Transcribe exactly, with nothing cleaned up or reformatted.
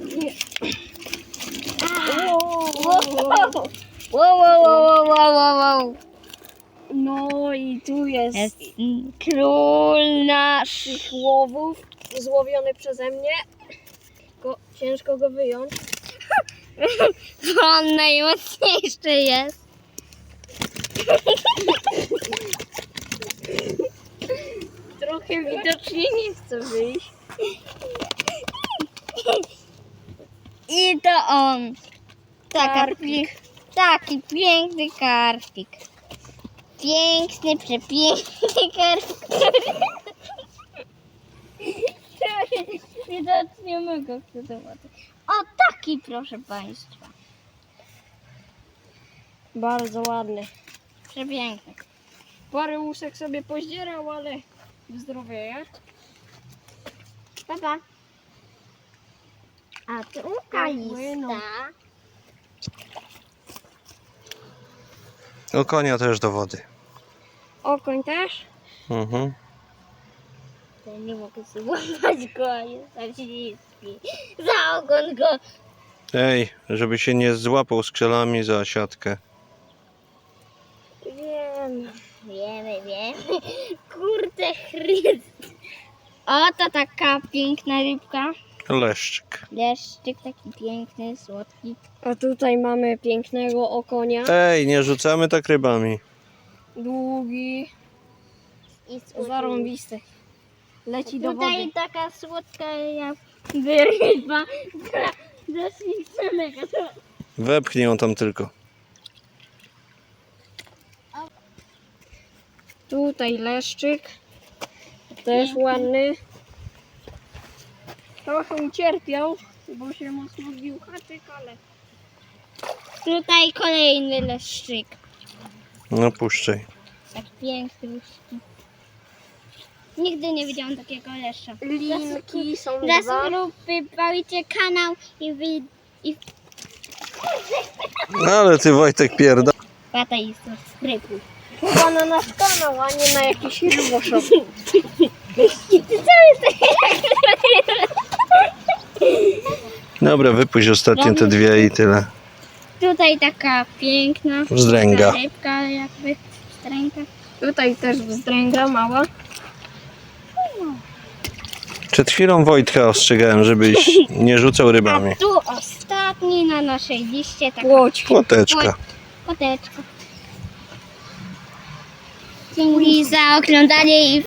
Wow, wow, wow, wow, wow, wow. No i tu jest, Jest król nasz. tych łowów złowiony przeze mnie. Go, ciężko go wyjąć. On najmocniejszy jest. Trochę widocznie nie chce wyjść. I to on. Taka, Karpik. pie- taki piękny karpik. Piękny, przepiękny karpik. Widocznie mogę chcę zobaczyć. O, taki proszę Państwa. Bardzo ładny. Przepiękny. Parę łusek sobie pozdzierał, ale zdrowieje. Papa. A tu płyną. kalista. O konia też do wody. Okoń też. Mhm. Ja nie mogę sobie łapać go, a jest tak śliski. Za ogon go. Ej, żeby się nie złapał skrzelami za siatkę. Wiem. Wiemy, wiemy. Kurde chryst. Oto taka piękna rybka. Leszczyk. Leszczyk taki piękny, słodki. A tutaj mamy pięknego okonia. Ej, nie rzucamy tak rybami. Długi, I słodki. zarąbisty. Leci do Tutaj wody. taka słodka jakby ryba. Dosyć samego. Wepchnij ją tam tylko. Tutaj leszczyk. Też ładny. Trochę ucierpiał, bo się mocno zbił haczyk, ale Tutaj kolejny leszczyk. No puszczaj. Tak piękny leszczyk. Nigdy nie widziałam takiego leszcza. linki są Dla dwa. subskrypcji bawicie kanał i wy... i No ale ty Wojtek pierda. pata i subskrybuj. Chyba na nasz kanał, a nie na jakiś ryboszop. I ty cały Dobra, wypuść ostatnie te dwie i tyle. Tutaj taka piękna Wzdręga. rybka jakby wzdręga. Tutaj też wzdręga mała. Przed chwilą Wojtka ostrzegałem, żebyś nie rzucał rybami. A tu ostatni na naszej liście taka Płoć. Płoteczka. koteczka. Dzięki za oglądanie i